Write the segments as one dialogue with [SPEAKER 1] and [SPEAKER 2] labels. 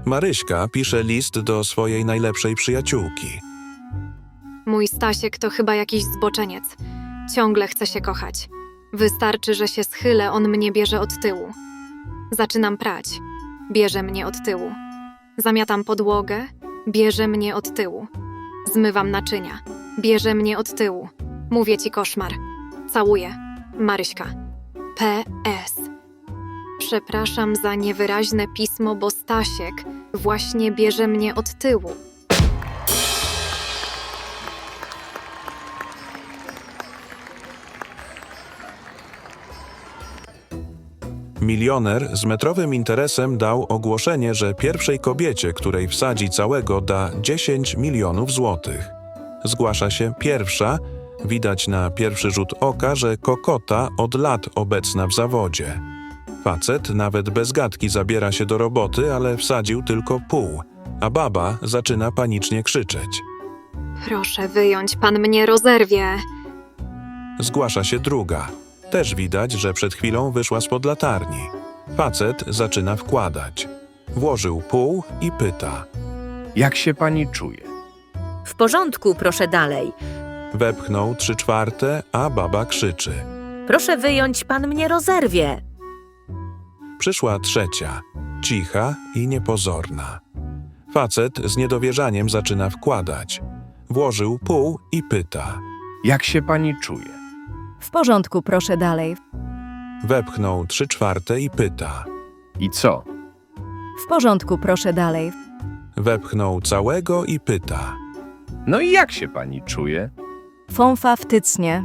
[SPEAKER 1] Maryśka pisze list do swojej najlepszej przyjaciółki.
[SPEAKER 2] Mój Stasiek to chyba jakiś zboczeniec. Ciągle chce się kochać. Wystarczy, że się schylę, on mnie bierze od tyłu. Zaczynam prać. Bierze mnie od tyłu. Zamiatam podłogę. Bierze mnie od tyłu. Zmywam naczynia. Bierze mnie od tyłu. Mówię ci koszmar. Całuję. Maryśka. P.S. Przepraszam za niewyraźne pismo, bo Stasiek właśnie bierze mnie od tyłu.
[SPEAKER 1] Milioner z metrowym interesem dał ogłoszenie, że pierwszej kobiecie, której wsadzi całego, da 10 milionów złotych. Zgłasza się pierwsza. Widać na pierwszy rzut oka, że kokota od lat obecna w zawodzie. Facet nawet bez gadki zabiera się do roboty, ale wsadził tylko pół, a baba zaczyna panicznie krzyczeć.
[SPEAKER 2] Proszę wyjąć, pan mnie rozerwie.
[SPEAKER 1] Zgłasza się druga. Też widać, że przed chwilą wyszła spod latarni. Facet zaczyna wkładać. Włożył pół i pyta.
[SPEAKER 3] Jak się pani czuje?
[SPEAKER 4] W porządku, proszę dalej.
[SPEAKER 1] Wepchnął 3/4, a baba krzyczy.
[SPEAKER 4] Proszę wyjąć, pan mnie rozerwie.
[SPEAKER 1] Przyszła trzecia, cicha i niepozorna. Facet z niedowierzaniem zaczyna wkładać. Włożył pół i pyta.
[SPEAKER 3] Jak się pani czuje?
[SPEAKER 5] W porządku, proszę dalej.
[SPEAKER 1] Wepchnął 3/4 i pyta.
[SPEAKER 3] I co?
[SPEAKER 5] W porządku, proszę dalej.
[SPEAKER 1] Wepchnął całego i pyta.
[SPEAKER 3] No i jak się pani czuje?
[SPEAKER 5] Fąfa wtycnie.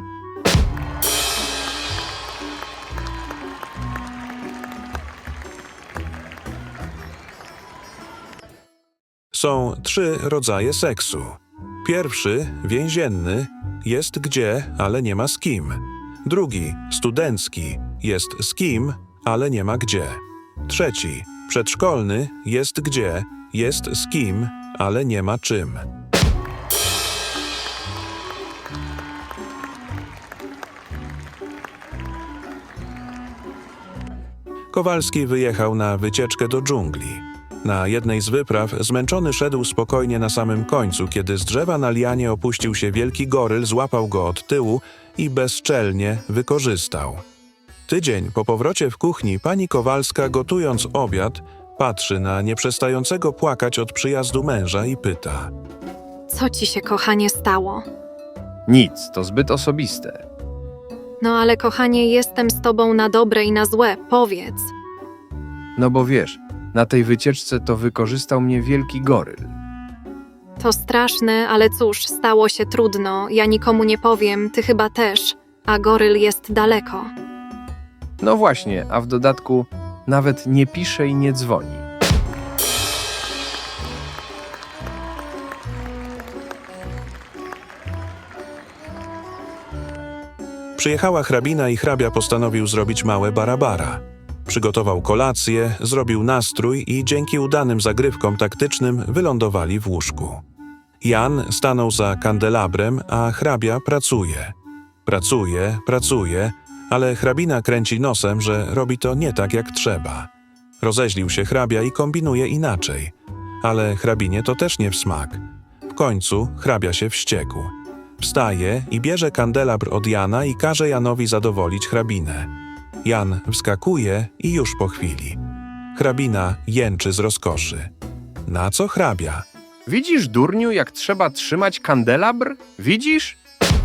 [SPEAKER 1] Są 3 rodzaje seksu. Pierwszy, więzienny, jest gdzie, ale nie ma z kim. Drugi, studencki, jest z kim, ale nie ma gdzie. Trzeci, przedszkolny, jest gdzie, jest z kim, ale nie ma czym. Kowalski wyjechał na wycieczkę do dżungli. Na jednej z wypraw zmęczony szedł spokojnie na samym końcu, kiedy z drzewa na lianie opuścił się wielki goryl, złapał go od tyłu i bezczelnie wykorzystał. Tydzień po powrocie w kuchni pani Kowalska, gotując obiad, patrzy na nieprzestającego płakać od przyjazdu męża i pyta.
[SPEAKER 2] Co ci się, kochanie, stało?
[SPEAKER 3] Nic, to zbyt osobiste.
[SPEAKER 2] No ale, kochanie, jestem z tobą na dobre i na złe, powiedz.
[SPEAKER 3] No bo wiesz, na tej wycieczce to wykorzystał mnie wielki goryl.
[SPEAKER 2] To straszne, ale cóż, stało się trudno. Ja nikomu nie powiem, ty chyba też, a goryl jest daleko.
[SPEAKER 3] No właśnie, a w dodatku nawet nie pisze i nie dzwoni.
[SPEAKER 1] Przyjechała hrabina i hrabia postanowił zrobić małe barabara. Przygotował kolację, zrobił nastrój i dzięki udanym zagrywkom taktycznym wylądowali w łóżku. Jan stanął za kandelabrem, a hrabia pracuje. Pracuje, ale hrabina kręci nosem, że robi to nie tak jak trzeba. Rozeźlił się hrabia i kombinuje inaczej. Ale hrabinie to też nie w smak. W końcu hrabia się wściekł. Wstaje i bierze kandelabr od Jana i każe Janowi zadowolić hrabinę. Jan wskakuje i już po chwili. Hrabina jęczy z rozkoszy. Na co hrabia?
[SPEAKER 3] Widzisz, durniu, jak trzeba trzymać kandelabr? Widzisz?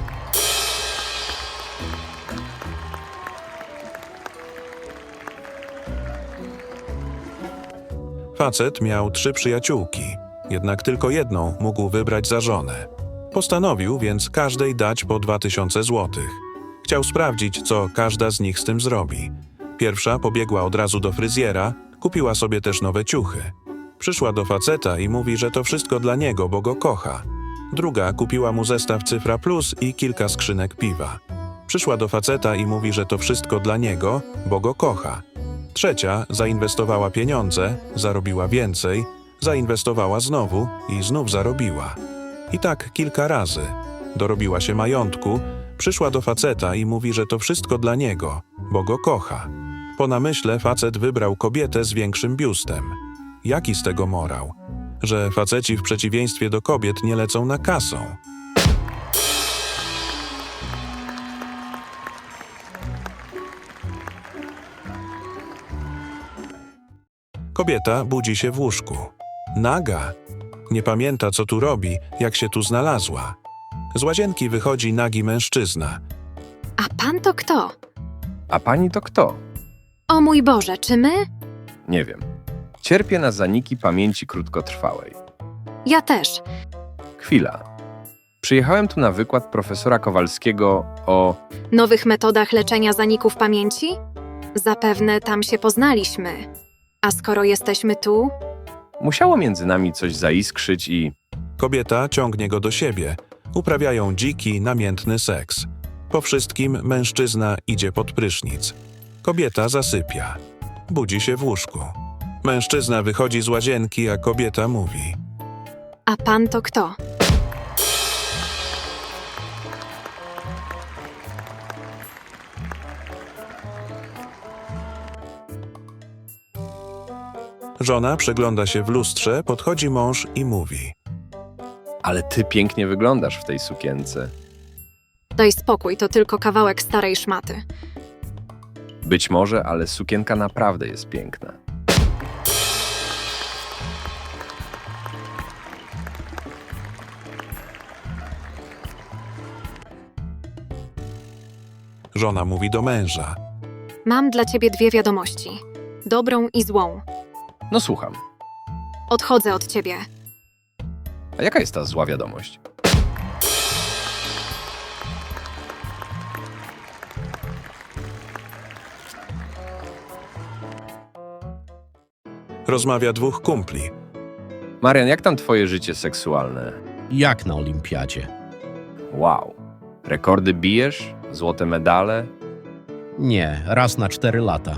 [SPEAKER 1] Facet miał 3 przyjaciółki, jednak tylko jedną mógł wybrać za żonę. Postanowił więc każdej dać po 2000 złotych. Chciał sprawdzić, co każda z nich z tym zrobi. Pierwsza pobiegła od razu do fryzjera, kupiła sobie też nowe ciuchy. Przyszła do faceta i mówi, że to wszystko dla niego, bo go kocha. Druga kupiła mu zestaw Cyfra Plus i kilka skrzynek piwa. Przyszła do faceta i mówi, że to wszystko dla niego, bo go kocha. Trzecia zainwestowała pieniądze, zarobiła więcej, zainwestowała znowu i znów zarobiła. I tak kilka razy. Dorobiła się majątku, przyszła do faceta i mówi, że to wszystko dla niego, bo go kocha. Po namyśle facet wybrał kobietę z większym biustem. Jaki z tego morał? Że faceci w przeciwieństwie do kobiet nie lecą na kasą. Kobieta budzi się w łóżku. Naga. Nie pamięta, co tu robi, jak się tu znalazła. Z łazienki wychodzi nagi mężczyzna.
[SPEAKER 2] A pan to kto?
[SPEAKER 3] A pani to kto?
[SPEAKER 2] O mój Boże, czy my?
[SPEAKER 3] Nie wiem. Cierpię na zaniki pamięci krótkotrwałej.
[SPEAKER 2] Ja też.
[SPEAKER 3] Chwila. Przyjechałem tu na wykład profesora Kowalskiego o...
[SPEAKER 2] Nowych metodach leczenia zaników pamięci? Zapewne tam się poznaliśmy. A skoro jesteśmy tu,
[SPEAKER 3] Musiało między nami coś zaiskrzyć i...
[SPEAKER 1] Kobieta ciągnie go do siebie. Uprawiają dziki, namiętny seks. Po wszystkim mężczyzna idzie pod prysznic. Kobieta zasypia. Budzi się w łóżku. Mężczyzna wychodzi z łazienki, a kobieta mówi.
[SPEAKER 2] a pan to kto?
[SPEAKER 1] Żona przegląda się w lustrze, podchodzi mąż i mówi.
[SPEAKER 3] Ale ty pięknie wyglądasz w tej sukience.
[SPEAKER 2] Daj spokój, to tylko kawałek starej szmaty.
[SPEAKER 3] Być może, ale sukienka naprawdę jest piękna.
[SPEAKER 1] Żona mówi do męża.
[SPEAKER 2] Mam dla ciebie dwie wiadomości. Dobrą i złą.
[SPEAKER 3] No słucham.
[SPEAKER 2] Odchodzę od ciebie.
[SPEAKER 3] A jaka jest ta zła wiadomość?
[SPEAKER 1] Rozmawia dwóch kumpli.
[SPEAKER 3] Marian, jak tam twoje życie seksualne?
[SPEAKER 6] Jak na olimpiadzie?
[SPEAKER 3] Wow. Rekordy bijesz? Złote medale?
[SPEAKER 6] Nie, raz na 4 lata.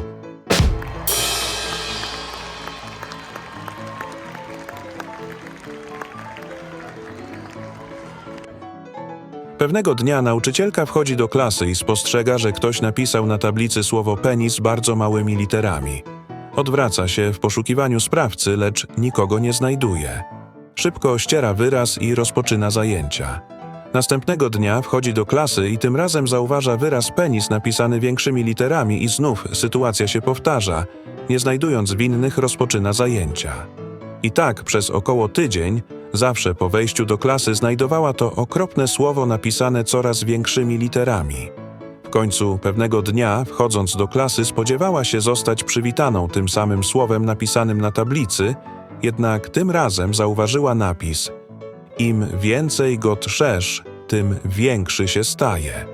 [SPEAKER 1] Pewnego dnia nauczycielka wchodzi do klasy i spostrzega, że ktoś napisał na tablicy słowo penis bardzo małymi literami. Odwraca się w poszukiwaniu sprawcy, lecz nikogo nie znajduje. Szybko ściera wyraz i rozpoczyna zajęcia. Następnego dnia wchodzi do klasy i tym razem zauważa wyraz penis napisany większymi literami i znów sytuacja się powtarza. Nie znajdując winnych, rozpoczyna zajęcia. I tak przez około tydzień, zawsze po wejściu do klasy znajdowała to okropne słowo napisane coraz większymi literami. W końcu pewnego dnia, wchodząc do klasy, spodziewała się zostać przywitaną tym samym słowem napisanym na tablicy, jednak tym razem zauważyła napis: im więcej go trzesz, tym większy się staje.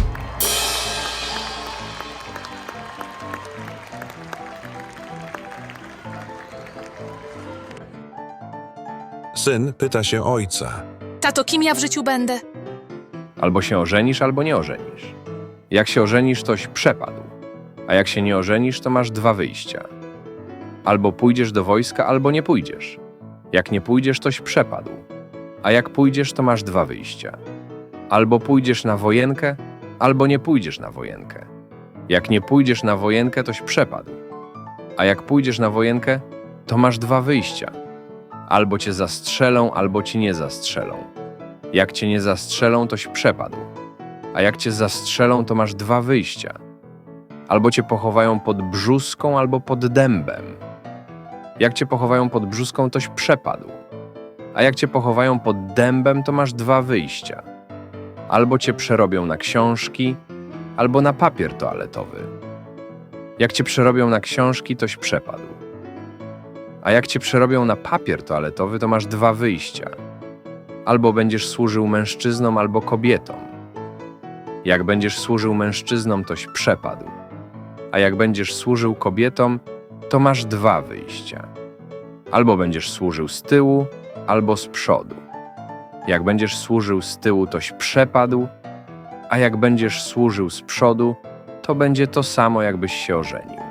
[SPEAKER 1] Syn pyta się ojca.
[SPEAKER 7] Tato, kim ja w życiu będę?
[SPEAKER 3] Albo się ożenisz, albo nie ożenisz. Jak się ożenisz, toś przepadł. A jak się nie ożenisz, to masz 2 wyjścia. Albo pójdziesz do wojska, albo nie pójdziesz. Jak nie pójdziesz, toś przepadł. A jak pójdziesz, to masz 2 wyjścia. Albo pójdziesz na wojenkę, albo nie pójdziesz na wojenkę. Jak nie pójdziesz na wojenkę, toś przepadł. A jak pójdziesz na wojenkę, to masz 2 wyjścia. Albo cię zastrzelą, albo ci nie zastrzelą. Jak cię nie zastrzelą, toś przepadł. A jak cię zastrzelą, to masz 2 wyjścia. Albo cię pochowają pod brzuską, albo pod dębem. Jak cię pochowają pod brzuską, toś przepadł. A jak cię pochowają pod dębem, to masz 2 wyjścia. Albo cię przerobią na książki, albo na papier toaletowy. Jak cię przerobią na książki, toś przepadł. A jak cię przerobią na papier toaletowy, to masz 2 wyjścia. Albo będziesz służył mężczyznom, albo kobietom. Jak będziesz służył mężczyznom, toś przepadł. A jak będziesz służył kobietom, to masz 2 wyjścia. Albo będziesz służył z tyłu, albo z przodu. Jak będziesz służył z tyłu, toś przepadł, a jak będziesz służył z przodu, to będzie to samo, jakbyś się ożenił.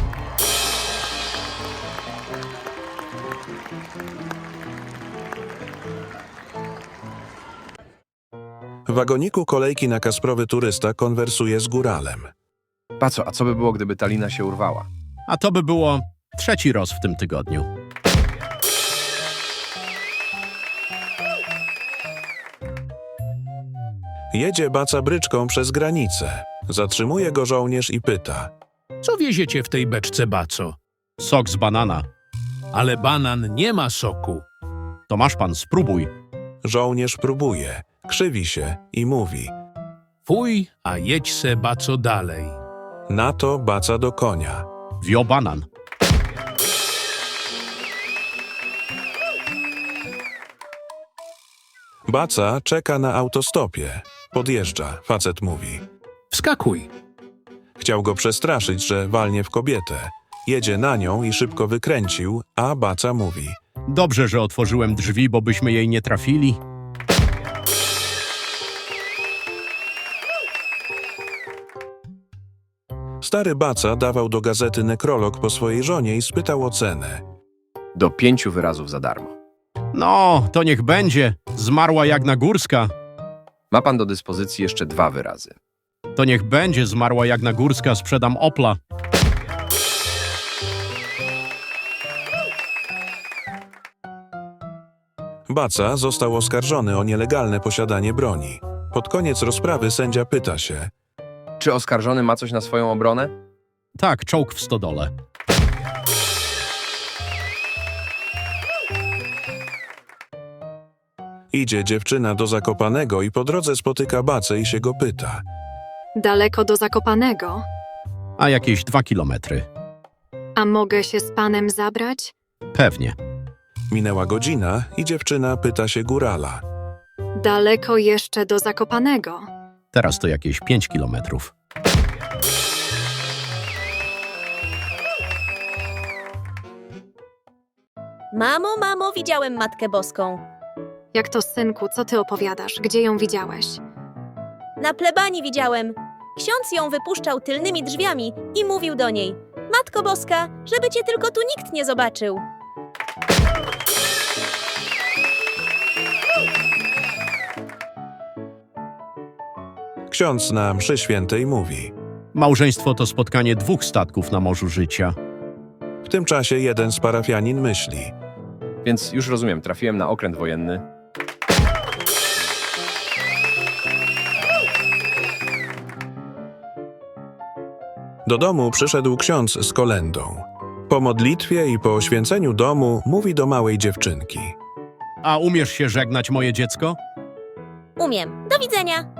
[SPEAKER 1] W wagoniku kolejki na Kasprowy turysta konwersuje z góralem.
[SPEAKER 3] Paco, a co by było, gdyby ta lina się urwała?
[SPEAKER 6] A to by było 3. roz w tym tygodniu.
[SPEAKER 1] Jedzie baca bryczką przez granicę. Zatrzymuje go żołnierz i pyta.
[SPEAKER 8] Co wieziecie w tej beczce, baco?
[SPEAKER 6] Sok z banana.
[SPEAKER 8] Ale banan nie ma soku.
[SPEAKER 6] To masz pan, spróbuj.
[SPEAKER 1] Żołnierz próbuje, krzywi się i mówi.
[SPEAKER 8] Fuj, a jedź se, baco, dalej.
[SPEAKER 1] Na to baca do konia.
[SPEAKER 6] Wio banan.
[SPEAKER 1] Baca czeka na autostopie. Podjeżdża, facet mówi.
[SPEAKER 8] Wskakuj.
[SPEAKER 1] Chciał go przestraszyć, że walnie w kobietę. Jedzie na nią i szybko wykręcił, a baca mówi.
[SPEAKER 6] Dobrze, że otworzyłem drzwi, bo byśmy jej nie trafili.
[SPEAKER 1] Stary baca dawał do gazety nekrolog po swojej żonie i spytał o cenę.
[SPEAKER 3] Do 5 wyrazów za darmo.
[SPEAKER 6] No, to niech będzie. Zmarła Jagna Górska.
[SPEAKER 3] Ma pan do dyspozycji jeszcze 2 wyrazy.
[SPEAKER 6] To niech będzie. Zmarła Jagna Górska. Sprzedam Opla.
[SPEAKER 1] Baca został oskarżony o nielegalne posiadanie broni. Pod koniec rozprawy sędzia pyta się.
[SPEAKER 3] Czy oskarżony ma coś na swoją obronę?
[SPEAKER 6] Tak, czołg w stodole.
[SPEAKER 1] Idzie dziewczyna do Zakopanego i po drodze spotyka bacę i się go pyta.
[SPEAKER 2] Daleko do Zakopanego.
[SPEAKER 6] A jakieś 2 kilometry.
[SPEAKER 2] A mogę się z panem zabrać?
[SPEAKER 6] Pewnie.
[SPEAKER 1] Minęła godzina i dziewczyna pyta się górala.
[SPEAKER 2] Daleko jeszcze do Zakopanego.
[SPEAKER 6] Teraz to jakieś 5 kilometrów.
[SPEAKER 9] Mamo, widziałem Matkę Boską.
[SPEAKER 2] Jak to, synku, co ty opowiadasz? Gdzie ją widziałeś?
[SPEAKER 9] Na plebanii widziałem. Ksiądz ją wypuszczał tylnymi drzwiami i mówił do niej: Matko Boska, żeby cię tylko tu nikt nie zobaczył.
[SPEAKER 1] Ksiądz na mszy świętej mówi.
[SPEAKER 6] Małżeństwo to spotkanie 2 statków na morzu życia.
[SPEAKER 1] W tym czasie jeden z parafianin myśli.
[SPEAKER 3] Więc już rozumiem, trafiłem na okręt wojenny.
[SPEAKER 1] Do domu przyszedł ksiądz z kolędą. Po modlitwie i po oświęceniu domu mówi do małej dziewczynki.
[SPEAKER 6] A umiesz się żegnać, moje dziecko?
[SPEAKER 9] Umiem. Do widzenia.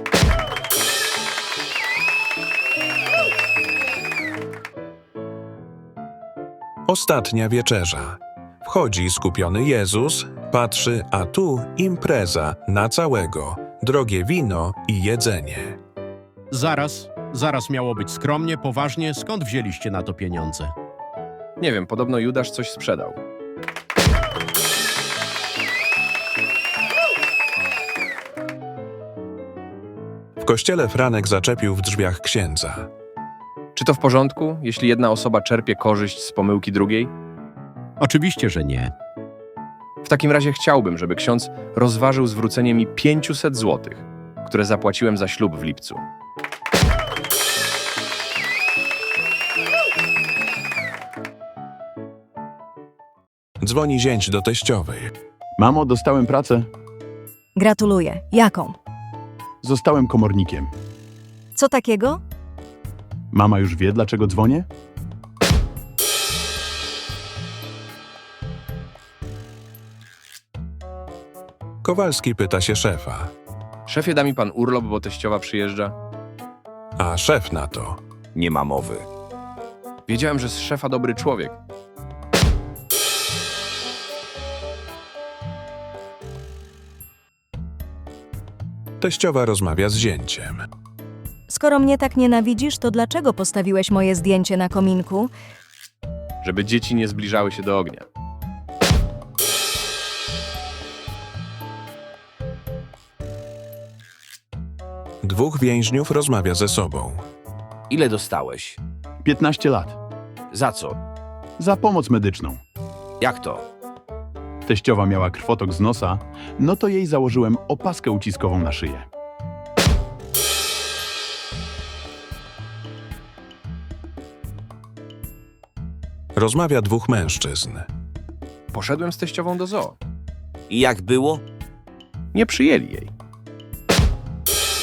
[SPEAKER 1] Ostatnia wieczerza. Wchodzi skupiony Jezus, patrzy, a tu impreza na całego, drogie wino i jedzenie.
[SPEAKER 6] Zaraz miało być skromnie, poważnie. Skąd wzięliście na to pieniądze?
[SPEAKER 3] Nie wiem, podobno Judasz coś sprzedał.
[SPEAKER 1] W kościele Franek zaczepił w drzwiach księdza.
[SPEAKER 3] Czy to w porządku, jeśli jedna osoba czerpie korzyść z pomyłki drugiej?
[SPEAKER 6] Oczywiście, że nie.
[SPEAKER 3] W takim razie chciałbym, żeby ksiądz rozważył zwrócenie mi 500 złotych, które zapłaciłem za ślub w lipcu.
[SPEAKER 1] Dzwoni zięć do teściowej.
[SPEAKER 10] Mamo, dostałem pracę.
[SPEAKER 5] Gratuluję. Jaką?
[SPEAKER 10] Zostałem komornikiem.
[SPEAKER 5] Co takiego?
[SPEAKER 10] Mama już wie, dlaczego dzwonię?
[SPEAKER 1] Kowalski pyta się szefa.
[SPEAKER 3] Szefie, da mi pan urlop, bo teściowa przyjeżdża?
[SPEAKER 1] A szef na to.
[SPEAKER 11] Nie ma mowy.
[SPEAKER 3] Wiedziałem, że z szefa dobry człowiek.
[SPEAKER 1] Teściowa rozmawia z zięciem.
[SPEAKER 5] Skoro mnie tak nienawidzisz, to dlaczego postawiłeś moje zdjęcie na kominku?
[SPEAKER 3] Żeby dzieci nie zbliżały się do ognia.
[SPEAKER 1] Dwóch więźniów rozmawia ze sobą.
[SPEAKER 11] Ile dostałeś?
[SPEAKER 10] 15 lat.
[SPEAKER 11] Za co?
[SPEAKER 10] Za pomoc medyczną.
[SPEAKER 11] Jak to?
[SPEAKER 10] Teściowa miała krwotok z nosa, no to jej założyłem opaskę uciskową na szyję.
[SPEAKER 1] Rozmawia dwóch mężczyzn.
[SPEAKER 3] Poszedłem z teściową do zoo.
[SPEAKER 11] I jak było?
[SPEAKER 3] Nie przyjęli jej.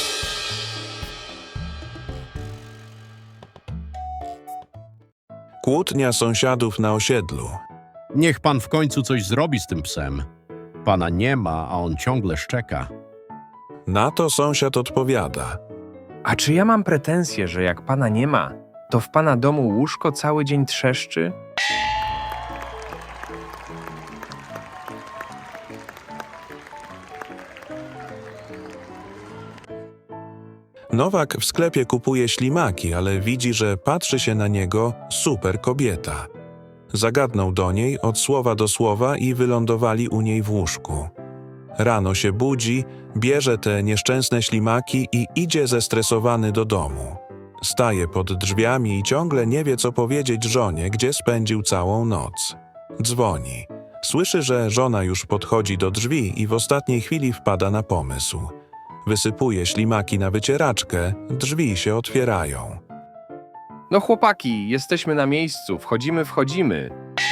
[SPEAKER 1] Kłótnia sąsiadów na osiedlu.
[SPEAKER 6] Niech pan w końcu coś zrobi z tym psem. Pana nie ma, a on ciągle szczeka.
[SPEAKER 1] Na to sąsiad odpowiada.
[SPEAKER 3] A czy ja mam pretensje, że jak pana nie ma, to w pana domu łóżko cały dzień trzeszczy?
[SPEAKER 1] Nowak w sklepie kupuje ślimaki, ale widzi, że patrzy się na niego super kobieta. Zagadnął do niej od słowa do słowa i wylądowali u niej w łóżku. Rano się budzi, bierze te nieszczęsne ślimaki i idzie zestresowany do domu. Staje pod drzwiami i ciągle nie wie, co powiedzieć żonie, gdzie spędził całą noc. Dzwoni. Słyszy, że żona już podchodzi do drzwi i w ostatniej chwili wpada na pomysł. Wysypuje ślimaki na wycieraczkę, drzwi się otwierają.
[SPEAKER 3] No chłopaki, jesteśmy na miejscu, wchodzimy.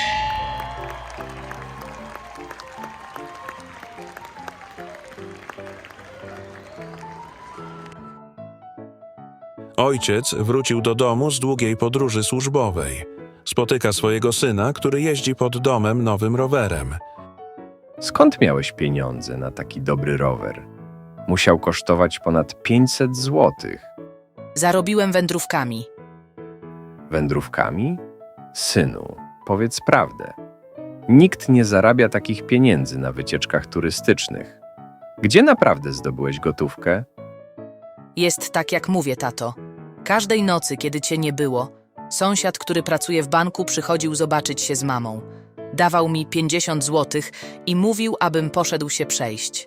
[SPEAKER 1] Ojciec wrócił do domu z długiej podróży służbowej. Spotyka swojego syna, który jeździ pod domem nowym rowerem.
[SPEAKER 3] Skąd miałeś pieniądze na taki dobry rower? Musiał kosztować ponad 500 złotych.
[SPEAKER 7] Zarobiłem wędrówkami.
[SPEAKER 3] Wędrówkami? Synu, powiedz prawdę. Nikt nie zarabia takich pieniędzy na wycieczkach turystycznych. Gdzie naprawdę zdobyłeś gotówkę?
[SPEAKER 7] Jest tak, jak mówię, tato. Każdej nocy, kiedy cię nie było, sąsiad, który pracuje w banku, przychodził zobaczyć się z mamą. Dawał mi 50 złotych i mówił, abym poszedł się przejść.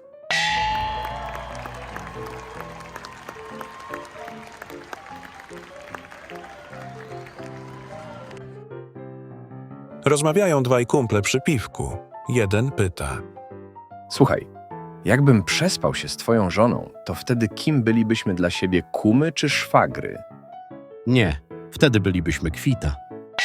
[SPEAKER 1] Rozmawiają dwaj kumple przy piwku. Jeden pyta.
[SPEAKER 3] Słuchaj, jakbym przespał się z twoją żoną, to wtedy kim bylibyśmy dla siebie, kumy czy szwagry?
[SPEAKER 6] Nie, wtedy bylibyśmy kwita.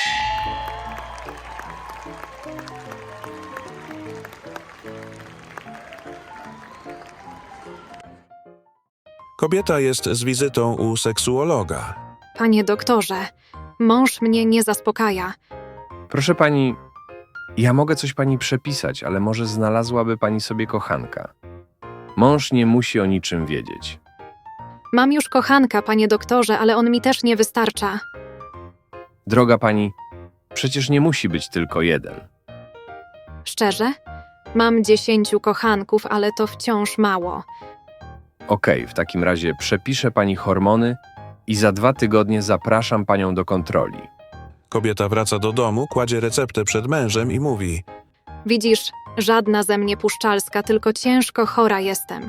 [SPEAKER 1] Kobieta jest z wizytą u seksuologa.
[SPEAKER 2] Panie doktorze, mąż mnie nie zaspokaja.
[SPEAKER 3] Proszę pani, ja mogę coś pani przepisać, ale może znalazłaby pani sobie kochanka. Mąż nie musi o niczym wiedzieć.
[SPEAKER 2] Mam już kochanka, panie doktorze, ale on mi też nie wystarcza.
[SPEAKER 3] Droga pani, przecież nie musi być tylko jeden.
[SPEAKER 2] Szczerze? Mam 10 kochanków, ale to wciąż mało.
[SPEAKER 3] Okej, w takim razie przepiszę pani hormony i za 2 tygodnie zapraszam panią do kontroli.
[SPEAKER 1] Kobieta wraca do domu, kładzie receptę przed mężem i mówi:
[SPEAKER 2] Widzisz, żadna ze mnie puszczalska, tylko ciężko chora jestem.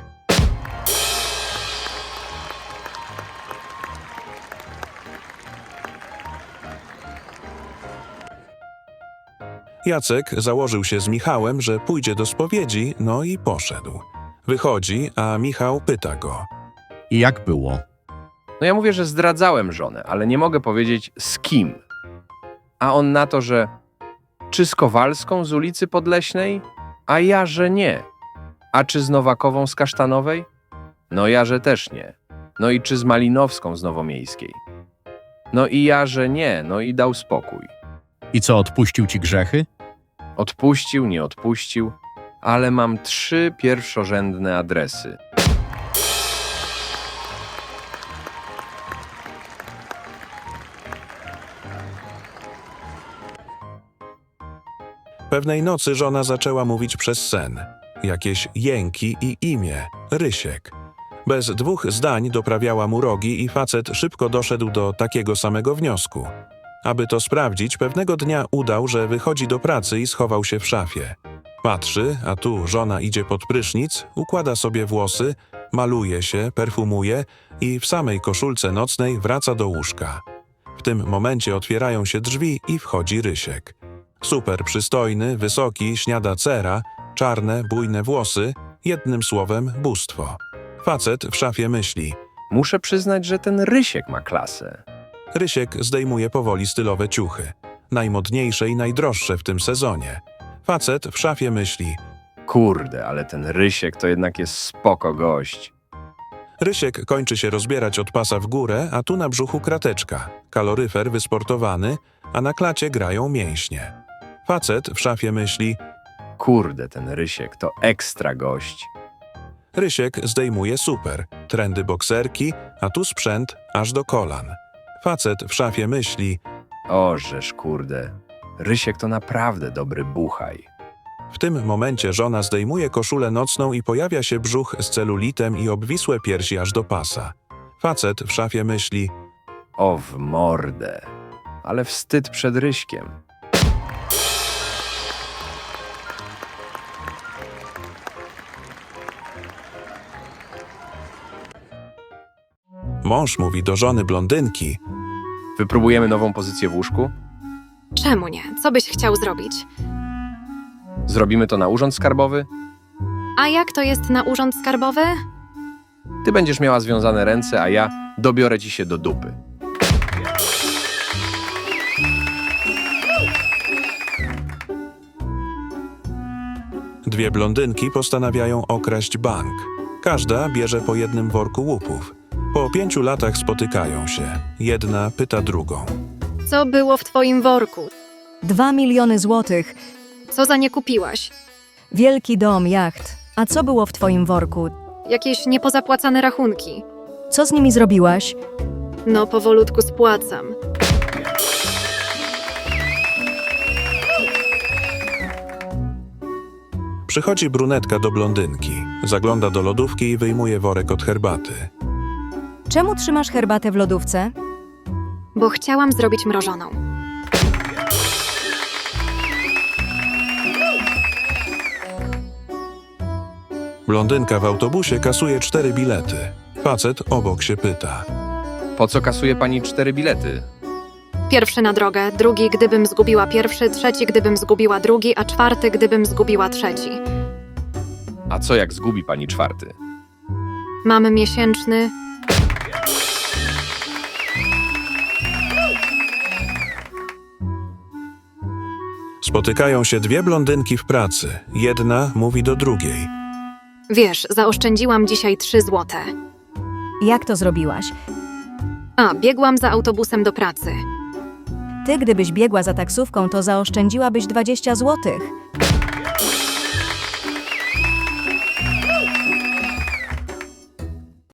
[SPEAKER 1] Jacek założył się z Michałem, że pójdzie do spowiedzi, no i poszedł. Wychodzi, a Michał pyta go.
[SPEAKER 6] I jak było?
[SPEAKER 3] No ja mówię, że zdradzałem żonę, ale nie mogę powiedzieć z kim. A on na to, że czy z Kowalską z ulicy Podleśnej? A ja, że nie. A czy z Nowakową z Kasztanowej? No ja, że też nie. No i czy z Malinowską z Nowomiejskiej? No i ja, że nie. No i dał spokój.
[SPEAKER 6] I co, odpuścił ci grzechy?
[SPEAKER 3] Odpuścił, nie odpuścił, ale mam 3 pierwszorzędne adresy.
[SPEAKER 1] Pewnej nocy żona zaczęła mówić przez sen. Jakieś jęki i imię – Rysiek. Bez 2 zdań doprawiała mu rogi i facet szybko doszedł do takiego samego wniosku. Aby to sprawdzić, pewnego dnia udał, że wychodzi do pracy i schował się w szafie. Patrzy, a tu żona idzie pod prysznic, układa sobie włosy, maluje się, perfumuje i w samej koszulce nocnej wraca do łóżka. W tym momencie otwierają się drzwi i wchodzi Rysiek. Super przystojny, wysoki, śniada cera, czarne, bujne włosy, jednym słowem bóstwo. Facet w szafie myśli.
[SPEAKER 3] Muszę przyznać, że ten Rysiek ma klasę.
[SPEAKER 1] Rysiek zdejmuje powoli stylowe ciuchy. Najmodniejsze i najdroższe w tym sezonie. Facet w szafie myśli.
[SPEAKER 3] Kurde, ale ten Rysiek to jednak jest spoko gość.
[SPEAKER 1] Rysiek kończy się rozbierać od pasa w górę, a tu na brzuchu krateczka. Kaloryfer wysportowany, a na klacie grają mięśnie. Facet w szafie myśli,
[SPEAKER 3] Kurde, ten Rysiek to ekstra gość.
[SPEAKER 1] Rysiek zdejmuje super, trendy bokserki, a tu sprzęt aż do kolan. Facet w szafie myśli,
[SPEAKER 3] O, żeż kurde, Rysiek to naprawdę dobry buchaj.
[SPEAKER 1] w tym momencie żona zdejmuje koszulę nocną i pojawia się brzuch z celulitem i obwisłe piersi aż do pasa. Facet w szafie myśli,
[SPEAKER 3] O, w mordę. Ale wstyd przed Ryśkiem.
[SPEAKER 1] mąż mówi do żony blondynki,
[SPEAKER 3] Wypróbujemy nową pozycję w łóżku?
[SPEAKER 2] Czemu nie? Co byś chciał zrobić?
[SPEAKER 3] Zrobimy to na urząd skarbowy?
[SPEAKER 2] A jak to jest na urząd skarbowy?
[SPEAKER 3] Ty będziesz miała związane ręce, a ja dobiorę ci się do dupy.
[SPEAKER 1] dwie blondynki postanawiają okraść bank. Każda bierze po jednym worku łupów. Po 5 latach spotykają się. Jedna pyta drugą.
[SPEAKER 2] Co było w twoim worku?
[SPEAKER 5] 2 miliony złotych,
[SPEAKER 2] Co za nie kupiłaś?
[SPEAKER 5] wielki dom, jacht. A co było w twoim worku?
[SPEAKER 2] Jakieś niepozapłacane rachunki?
[SPEAKER 5] Co z nimi zrobiłaś?
[SPEAKER 2] No, powolutku spłacam.
[SPEAKER 1] Przychodzi brunetka do blondynki. Zagląda do lodówki i wyjmuje worek od herbaty.
[SPEAKER 5] Czemu trzymasz herbatę w lodówce?
[SPEAKER 2] Bo chciałam zrobić mrożoną.
[SPEAKER 1] Blondynka w autobusie kasuje 4 bilety. Facet obok się pyta.
[SPEAKER 3] Po co kasuje pani 4 bilety?
[SPEAKER 2] Pierwszy na drogę, drugi gdybym zgubiła pierwszy, trzeci gdybym zgubiła drugi, a czwarty gdybym zgubiła trzeci.
[SPEAKER 3] A co jak zgubi pani 4?
[SPEAKER 2] Mamy miesięczny.
[SPEAKER 1] Spotykają się dwie blondynki w pracy. Jedna mówi do drugiej.
[SPEAKER 2] Wiesz, zaoszczędziłam dzisiaj 3 złote.
[SPEAKER 5] Jak to zrobiłaś?
[SPEAKER 2] A, biegłam za autobusem do pracy.
[SPEAKER 5] Ty, gdybyś biegła za taksówką, to zaoszczędziłabyś 20 złotych.